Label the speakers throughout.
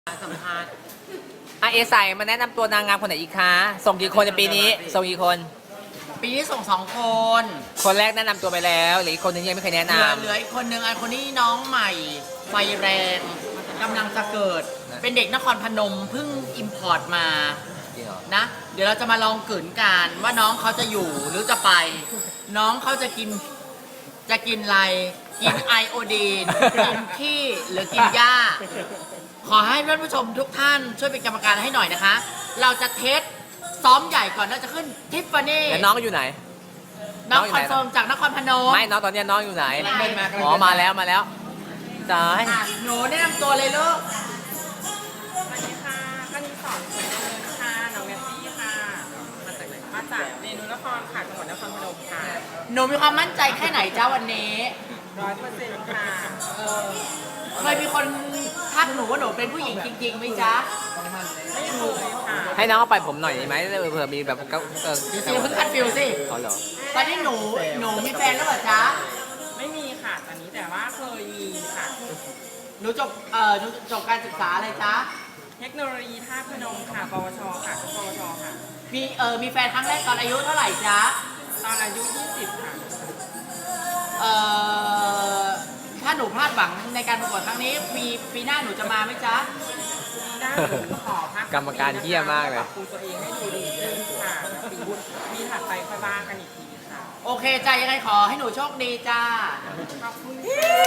Speaker 1: สัมภาษณ์
Speaker 2: เอใส่มาแนะนำตัวนางงามคนไหนอีกคะส่งกี่คนในปีนี้ส่งกี่คน
Speaker 1: ปีนี้ส่ง2 คน
Speaker 2: คนแรกแนะนำตัวไปแล้วหรืออีกคนนึงยังไม่เคยแนะนำ
Speaker 1: เหลืออีกคนนึงคนนี้น้องใหม่ไฟแรงกำลังจะเกิด เป็นเด็กนครพนมเพิ่งอิมพอร์ตมา
Speaker 2: จริงเหรอ
Speaker 1: นะ เดี๋ยวเราจะมาลองกลืนกันว่าน้องเขาจะอยู่หรือจะไป น้องเขาจะกินอะไรกินไอโอดีนกินขี้หรือกินหญ้า ขอให้ท่านผู้ชมทุกท่านช่วยเป็นกรรมการให้หน่อยนะคะ เราจะเทสซ้อมใหญ่ก่อนเราจะขึ้นทิฟฟานี่
Speaker 2: แล้วน้องอยู่ไหน
Speaker 1: น้องคอนเฟิร์มจากนครพนม
Speaker 2: ไม่น้องตอนนี้น้องอยู่ไหน
Speaker 1: กำลังเดินมา
Speaker 2: อ๋อมาแล้วตาย
Speaker 1: หนูแนะนำตัวเลยลูก
Speaker 3: สวัสดีค่ะคณิตสอนสวยเจริญค่ะ น้องเนสซี่ค่ะ มาจากไหน มาจากเรนูนครค่ะ จังหวัดนครพนมค่ะ
Speaker 1: หนูมีความมั่นใจแค่ไหนจ้าวันนี้
Speaker 3: 100%ค่ะ
Speaker 1: เคยมีคนทักหนูว่าหนูเป็นผู้หญิงจริงๆไหมจ๊ะ
Speaker 3: ไม่เคยค่ะ
Speaker 2: ให้น้องเอาไปผมหน่อยได้ไหมเผื่อมีแบบ
Speaker 1: เดี๋ยวเพิ่งคัดฟิลสิ
Speaker 2: เขาเหรอ
Speaker 1: ตอนนี้หนูมีแฟนแล้วเหรอจ๊ะ
Speaker 3: ไม่มีค่ะตอนนี้แต่ว่าเคยมีค่ะ
Speaker 1: หนูจบการศึกษาอะไรจ๊ะ
Speaker 3: เทคโนโลยีท่าตุพนมค่ะ ปวช ค่ะปวช ค่ะ
Speaker 1: มีแฟนครั้งแรกตอนอายุเท่าไหร่จ๊ะ
Speaker 3: ตอนอายุ 20 ค่ะ
Speaker 1: เอ่อถ้าหนูพลาดหวังในการประกวดครั้งนี้ปีหน้าหนูจะมาไหมจ๊ะ
Speaker 3: ปีหน้าหนูขอพัก
Speaker 2: กรรมการเหี้ยมากเลย
Speaker 3: ปรับปรุงตัวเองให้ดูดีขึ้นค่ะแล้วปีถัดไปค่อยว่ากันอีกทีค่ะ
Speaker 1: โอเคจ้ะยังไงขอให้หนูโชคดีจ้า
Speaker 3: ขอบคุณ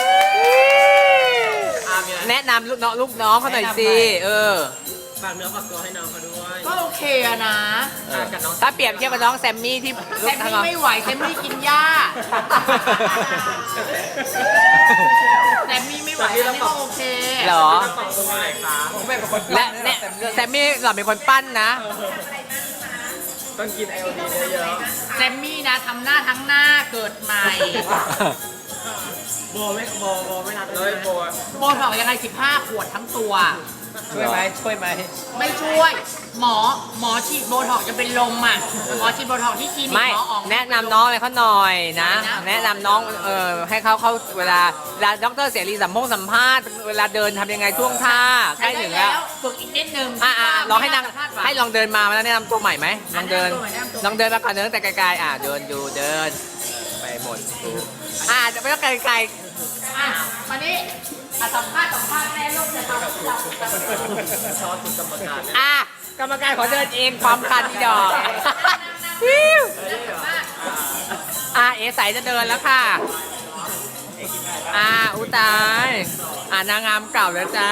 Speaker 2: แนะนำลูกน้องเขาหน่อยสิ
Speaker 1: ฝากเนื้อฝากตัวให้น้องเขาด้วยก็โอเคอะนะ
Speaker 2: กับน้องถ้าเปรียบเทียบกับน้องแซมมี่ที่
Speaker 1: แซมมี่ไม่ไหวแซมมี่กินหญ้าแซมมี่ไม่ไหวแซมมี่ก็โอเค
Speaker 2: เหรอ
Speaker 1: ฝากตัวอะไรคะผมเป็นคน
Speaker 2: และเนี่ยแซมมี่หล่อนเป็นคนปั้นนะ
Speaker 1: ต้องกินไอโอดีเยอะแซมมี่นะทำหน้าทั้งหน้าเกิดใหม่ โบไม่รับเลยโบถอกยังไง15 ขวดทั้งตัว
Speaker 2: ช่วยไหม
Speaker 1: ไม่ช่วย หมอฉีดโบท็อกซ์จะเป็นลมอ่ะ หมอฉีดโบท็อกซ์ที่คลินิก
Speaker 2: ไม่
Speaker 1: หมออ๋อง
Speaker 2: แนะนำน้องอะไรเขาหน่อยนะ
Speaker 1: อะไรนะ
Speaker 2: แนะนำน้องให้เขาเวลาดรเสรีสัมภาษณ์เวลาเดินทำยังไงท่วงท่าใกล้
Speaker 1: ใช้
Speaker 2: ถึง
Speaker 1: ได้
Speaker 2: แล้ว
Speaker 1: ฝึกอีกนิดนึง
Speaker 2: ลองให้นาง
Speaker 1: คาดหวัง
Speaker 2: ให้ลองเดินมาแล้วแนะนำตัวใหม่ไหมลองเดิน
Speaker 1: แนะนำตัวใหม่
Speaker 2: ลองเดินมาก่อนเดินตั้งแต่ไกลๆเดินดูเดินไปหมดดูจะไม่ต้องไกล
Speaker 1: อ่ะวันนี้สัมภาษณ์แม่ลูกจะทำชอบคุณกรรมการ
Speaker 2: กรรมการขอเดินเองความคันที่ดอกเอใสจะเดินแล้วค่ะอุยตายนางงามเก่าแล้วจ้า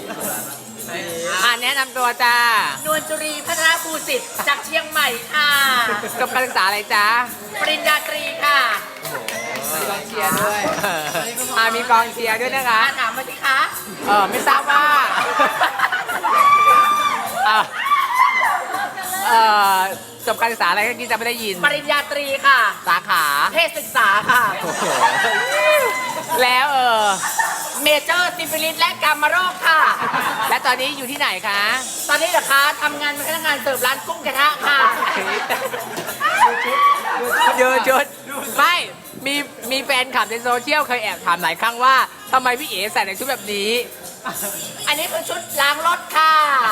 Speaker 2: แนะนำตัวจ้าน
Speaker 1: วลจุรีพัฒนาภูสิทธิ์จากเชียงใหม่ค่ะ
Speaker 2: จบการศึกษาอะไรจ้า
Speaker 1: ปริญญาตรีค่ะ
Speaker 2: มีกองเชียร์ด้วยมีกองเชียร์ด้วยนะคะ
Speaker 1: ถามมาสิคะ
Speaker 2: ไม่ทราบว่าจบการศึกษาอะไรก็กี้จะไม่ได้ยิน
Speaker 1: ปริญญาตรีค่ะ
Speaker 2: สาขา
Speaker 1: เพศศึกษาค่ะ
Speaker 2: โอ้โหแล้ว
Speaker 1: เมเจอร์ซิฟิลิสและกามโรคค่ะ
Speaker 2: และตอนนี้อยู่ที่ไหนคะ
Speaker 1: ตอนนี้เหรอคะทำงานเป็นพนักงานเสิร์ฟร้านกุ้งกระทะค่ะ
Speaker 2: ยืนจุดไม่มีแฟนคลับในโซเชียลเคยแอบถามหลายครั้งว่าทำไมพี่เอ๋ใส่ในชุดแบบนี้
Speaker 1: อันนี้คือชุดล้างรถค่ะ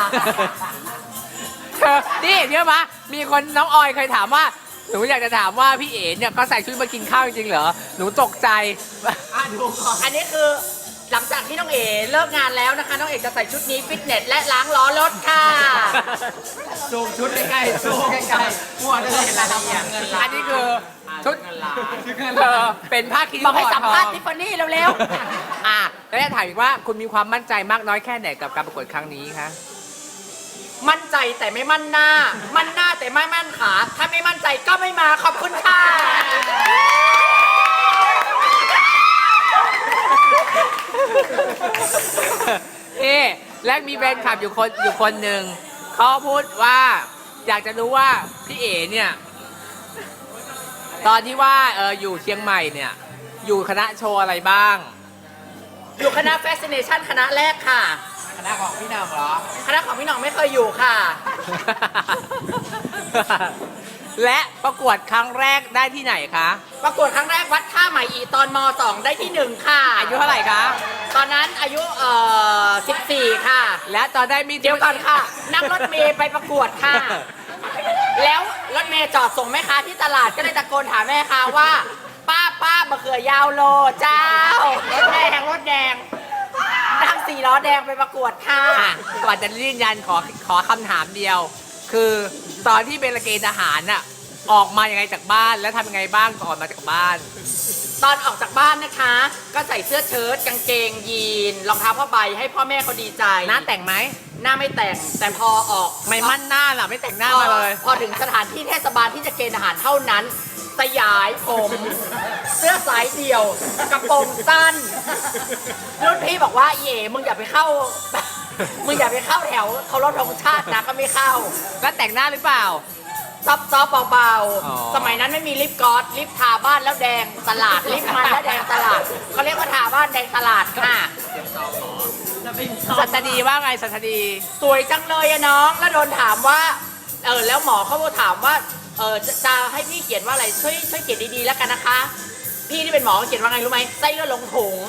Speaker 2: นี่เชื่อปะมีคนน้องออยเคยถามว่าหนูอยากจะถามว่าพี่เอ๋เนี่ยเขาใส่ชุดมากินข้าวจริงๆเหรอหนูตกใจ
Speaker 1: อันนี้คือหลังจากที่น้องเอ๋เลิกงานแล้วนะคะ น้องเอ๋จะใส่ชุดนี้ฟิตเนสและล้างล้อรถค่ะ
Speaker 2: ซูมชุดใกล้ๆซูมใกล้ๆมั่วเลยอันนี้คือชุดเป็นผ้าคีริ้
Speaker 1: บ
Speaker 2: ว
Speaker 1: อกให้
Speaker 2: ห่อ
Speaker 1: สัม
Speaker 2: ทอ
Speaker 1: ภาษ
Speaker 2: ง
Speaker 1: ณ์ทิฟฟานี่เร็ว
Speaker 2: แล้วจะถามอีกว่าคุณมีความมั่นใจมากน้อยแค่ไหนกับการประกวดครั้งนี้คะ
Speaker 1: ๆ มั่นใจแต่ไม่มั่นหน้า มั่นหน้าแต่ไม่มั่นขา ถ้าไม่มั่นใจก็ไม่มาขอบคุณค่ะ
Speaker 2: และมีแฟนคลับอยู่คนหนึ่งเขาพูดว่าอยากจะรู้ว่าพี่เอ๋เนี่ยตอนที่ว่าอยู่เชียงใหม่เนี่ยอยู่คณะโชว์อะไรบ้าง
Speaker 1: อยู่คณะแฟชั่นเนชั่นคณะแรกค่ะ
Speaker 2: คณะของพี่นางเหรอ
Speaker 1: คณะของพี่หน้องไม่เคยอยู่ค่ะ
Speaker 2: และประกวดครั้งแรกได้ที่ไหนคะ
Speaker 1: ประกวดครั้งแรกวัดท่าใหม่อีตอนม .2 ได้ที่ 1 ค่ะ
Speaker 2: อายุเท่าไหร่คะ
Speaker 1: ตอนนั้นอายุ14 ค่ะ
Speaker 2: และตอนได้มี
Speaker 1: เดี๋ยวก่อนค่ะ นั่งรถเมย์ไปประกวดค่ะ แล้วรถเมย์จอดส่งแม่ค้าที่ตลาดก็เลยตะโกนถามแม่ค้าว่า ป้ามะเขือยาวโลเจ้ารถแดงนั่ง4 ล้อแดงไปประกวดค่ะ
Speaker 2: อ่ะก่อนจะยืนยันขอคำถามเดียว คือตอนที่เป็นเกณฑ์ทหารน่ะออกมายังไงจากบ้านแล้วทำยังไงบ้างก่อนมาจากบ้าน
Speaker 1: ตอนออกจากบ้านนะคะ ก็ใส่เสื้อเชิ้ตกางเกงยีนรองเท้าผ้าใบให้พ่อแม่เขาดีใจ
Speaker 2: หน้าแต่งไหม
Speaker 1: หน้าไม่แต่งแต่พอออก
Speaker 2: ไม่มั่นหน้าล่ะไม่แต่งหน้ามาเลย
Speaker 1: พอถึงสถานที่เทศบาลที่จะเกณฑ์ทหารเท่านั้น สยายผม เสื้อสายเดี่ยว กระโปรงสั้นรุ่นพี่บอกว่าเย่มึงอย่าไปเข้า มึงอย่าไปเข้าแถวเคารพธงชาตินะก็ไม่เข้า
Speaker 2: แล้วแต่งหน้าหรือเปล่า
Speaker 1: ซอฟเบา
Speaker 2: อ๋อ
Speaker 1: ๆ สมัยนั้นไม่มีลิปกลอสลิปทาบ้านแล้วแดงตลาด ลิปมันแล้วแดงตลาดเขาเรียกว่าทาบ้านแดงตลาดค่ะ
Speaker 2: สัตดีว่าไงสัตดี
Speaker 1: สวยจังเลยอะน้อง แล้วโดนถามว่า แล้วหมอเขาถามว่า จะให้พี่เขียนว่าอะไร ช่วยเขียนดีๆแล้วกันนะคะ พี่ที่เป็นหมอเขียนว่าไงรู้ไหมไส้เลือดลงถุง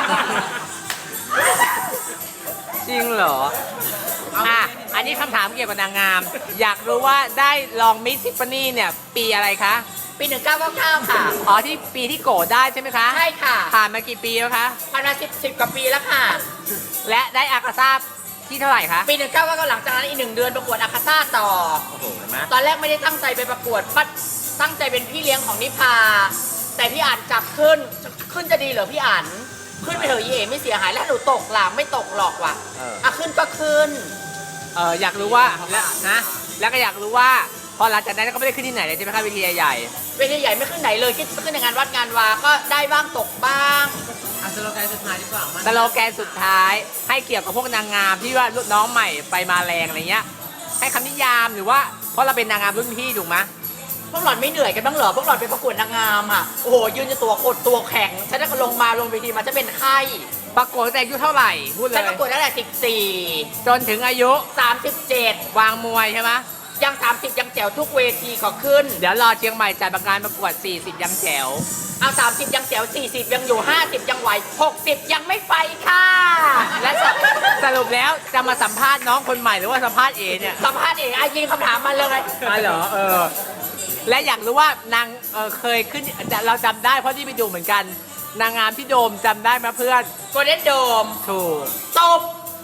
Speaker 2: จริงเหรอ อ่ะ อันนี้คำถามเกี่ยวกับนางงาม อยากรู้ว่าได้ลองมิสทิฟฟานี่เนี่ย ปีอะไรคะ
Speaker 1: ปี1999ค่ะ
Speaker 2: อ๋อที่ปีที่โกรธได้ใช่ไหมคะ
Speaker 1: ใช่ค่ะ
Speaker 2: ผ่านมากี่ปีแล้วคะ
Speaker 1: ผ่านมา10 กว่าปีแล้วค่ะ
Speaker 2: และได้อากาซ่าที่เท่าไหร่คะ
Speaker 1: ปี1999หลังจากนั้นอีก1 เดือนประกวดอาคาซ่าต่อ
Speaker 2: โอ้โหเห็นไหม
Speaker 1: ตอนแรกไม่ได้ตั้งใจไปประกวดปัดตั้งใจเป็นพี่เลี้ยงของนิพา แต่พี่อ่านจับขึ้นจะดีเหรอพี่อ่านขึ้นไปเถอะเย่ไม่เสียหายแล้วหนูตกหลังไม่ตกหรอกว่ะขึ้นก็ขึ้น
Speaker 2: อยากรู้ว่าแล้วนะแล้วก็อยากรู้ว่า พอหลังจากนั้นก็ไม่ได้ขึ้นที่ไหนเลยใช่ไหมคะเวทีใหญ่
Speaker 1: เวทีใหญ่ไม่ขึ้นไหนเลยขึ้นในงานวัดงานวาก็ได้บ้างตกบ้าง
Speaker 2: สโลแกนสุดท้ายให้เกี่ยวกับพวกนางงามที่ว่ารุ่นน้องใหม่ไปมาแรงอะไรเงี้ย ให้คำนิยามหรือว่าเพราะเราเป็นนางงามรุ่นพี่ถูกไหม
Speaker 1: พวกหล่อนไม่เหนื่อยกันบ้างเหรอพวกหล่อนไปประกวดนางงามอ่ะโอ้โหยืนจะตัวกดตัวแข็งฉันได้ลงเวทีมาจะเป็นไข้
Speaker 2: ประกวดตั้งแต่อายุเท่าไหร่พูดเล
Speaker 1: ฉัน
Speaker 2: ย
Speaker 1: ประกวดตั้งแต่14
Speaker 2: จนถึงอายุ
Speaker 1: 37
Speaker 2: วางมวยใช่ไหม
Speaker 1: ยัง30ยังแจ๋วทุกเวทีขอขึ้น
Speaker 2: เดี๋ยวรอเชียงใหม่จัดงานประกวด 40 ยังแจ๋ว
Speaker 1: เอา30ยังแจ๋ว40ยังอยู่50ยังไหว60ยังไม่ไปค่ะ
Speaker 2: และสรุปแล้วจะมาสัมภาษณ์น้องคนใหม่หรือว่าสัมภาษณ์เอเนี่ย
Speaker 1: สัมภาษณ์เองยิงคำถามมาเลย
Speaker 2: อ๋อเหรอและอยากรู้ว่านางเคยขึ้นเราจำได้เพราะที่ไปดูเหมือนกัน นางงามที่โดมจำได้ไหมเพื่อน
Speaker 1: โกลเด้นโดม
Speaker 2: ถูก
Speaker 1: ตบ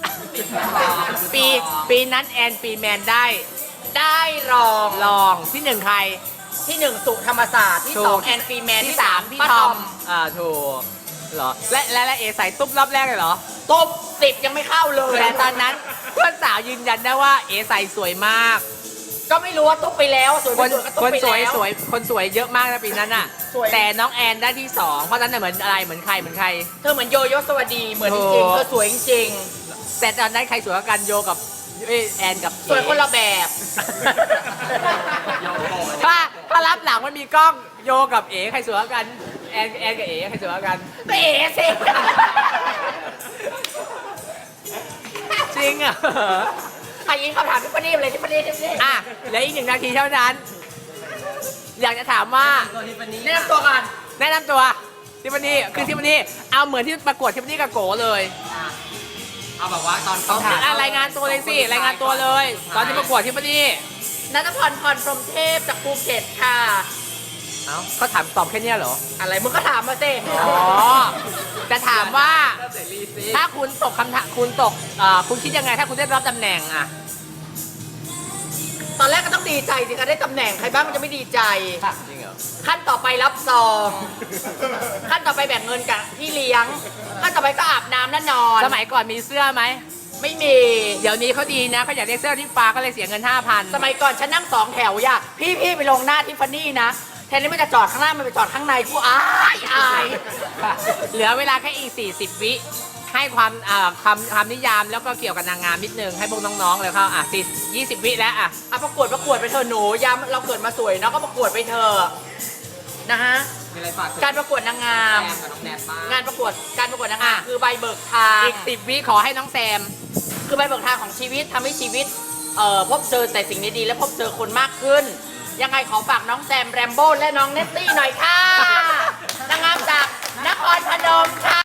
Speaker 2: ปีนั้นแอนปีแมนได้
Speaker 1: ได้รอง
Speaker 2: ลองที่หนึ่งใคร
Speaker 1: ที่1สุธรรมศาสตร์ที่
Speaker 2: ถูก
Speaker 1: 2แอนฟรีแมน
Speaker 2: ที่
Speaker 1: ที่
Speaker 2: สาม
Speaker 1: 3
Speaker 2: พี่
Speaker 1: ป้า
Speaker 2: ท
Speaker 1: ท
Speaker 2: อ
Speaker 1: อ
Speaker 2: ม
Speaker 1: ม
Speaker 2: ถูกเหรอและเอใส่ตุ๊บรอบแรกเลยเหรอ
Speaker 1: ตบ10ยังไม่เข้าเลย
Speaker 2: แต่ตอนนั้นเพื่อนสาวยืนยันได้ว่าเอใส่สวยมาก
Speaker 1: ก็ไม่รู้ว่าตุ๊บไปแล้วสวย
Speaker 2: ค
Speaker 1: ไม่
Speaker 2: น
Speaker 1: สวยก็ตุ๊บ
Speaker 2: คน
Speaker 1: ไป
Speaker 2: สวย
Speaker 1: แล้ว
Speaker 2: คนสวยเยอะมากนะปีนั้นอ่ะ
Speaker 1: สวย
Speaker 2: แต่น้องแอนได้ที่สองเพราะฉะนั้นนะเหมือนอะไรเหมือนใคร
Speaker 1: เธอเหมือนโยโย่สวัสดีเหมือนจ
Speaker 2: โอ้
Speaker 1: ริงๆเธอสวยจริง
Speaker 2: แต่ตอนนั้นใครสวยกว่ากันโยกับแอนกับ
Speaker 1: ๆสวยคนละแบบ
Speaker 2: ถ้ารับหลังมันมีกล้องโยกับเอ๋ใครสวยกว่ากันแอนกับเอ๋ใครสวยกว่ากัน
Speaker 1: เป๋สิ
Speaker 2: จริงอ่ะ
Speaker 1: ใครยิงคำถามพี่ปนีเลยพี่ปนี
Speaker 2: อ่ะเหลืออีก1 นาทีเท่านั้น อยากจะถามว่า
Speaker 1: แนะนำตัวก่อน
Speaker 2: แนะนำตัวทิฟฟานี่คือทิฟฟานี่เอาเหมือนที่ประกวดทิฟฟานี่กับโกเลย
Speaker 1: เอาแบบว่าตอนเขา
Speaker 2: รายงานตัวเลยสิรายงานตัวเลย ตอนที่ประกวดทิฟฟานี่
Speaker 1: นัทพรพรพรหมเทพจากภูเก็ตค่ะ
Speaker 2: เอ้าเขาถามตอบแค่เนี้ยเหรอ
Speaker 1: อะไรมึงก็ถามมาสิ
Speaker 2: อ๋อ จะถามว่า ถ้าคุณตกคำถามคุณตกคุณคิดยังไงถ้าคุณได้รับตำแหน่งอ่ะ
Speaker 1: ตอนแรกก็ต้องดีใจสิคะได้ตำแหน่งใครบ้างมันจะไม่ดีใจ
Speaker 2: จริงเหรอ
Speaker 1: ขั้นต่อไปรับซองขั้นต่อไปแบ่งเงินกับพี่เลี้ยงขั้นต่อไปก็อาบน้ำและนอน
Speaker 2: สมัยก่อนมีเสื้อไหม
Speaker 1: ไม่มี
Speaker 2: เดี๋ยวนี้เขาดีนะเขาอยากได้เสื้อที่ฟ้าก็เลยเสียเงิน 5,000
Speaker 1: สมัยก่อนฉันนั่ง2 แถวอย่าพี่ไปลงหน้าทิฟฟานี่นะแทนที่มันจะจอดข้างหน้ามันไปจอดข้างในกูอาย
Speaker 2: เหลือเวลาแค่อีก 40 วิให้ความคำนิยามแล้วก็เกี่ยวกับนางงามนิดนึงให้พวกน้องๆเลยเขา20 วิแล้วอ่ะ
Speaker 1: อ่ะประกวดไปเถอะหนูยามเราเกิดมาสวยเนาะก็ประกวดไปเถอะนะฮะ
Speaker 2: มีอะไรฝาก
Speaker 1: การประกวดนางงาม
Speaker 2: กับน้องแนทบ้าง
Speaker 1: การประกวดนางงาม
Speaker 2: อ่ะ
Speaker 1: คือใบเบิกทาง
Speaker 2: อีก 10 วิขอให้น้องแซม
Speaker 1: คือใบเบิกทางของชีวิตทำให้ชีวิตพบเจอแต่สิ่งดีๆและพบเจอคนมากขึ้นยังไงขอฝากน้องแซมแรมโบ้และน้องเนตตี้หน่อยค่ะนางงามจากนครพนมค่ะ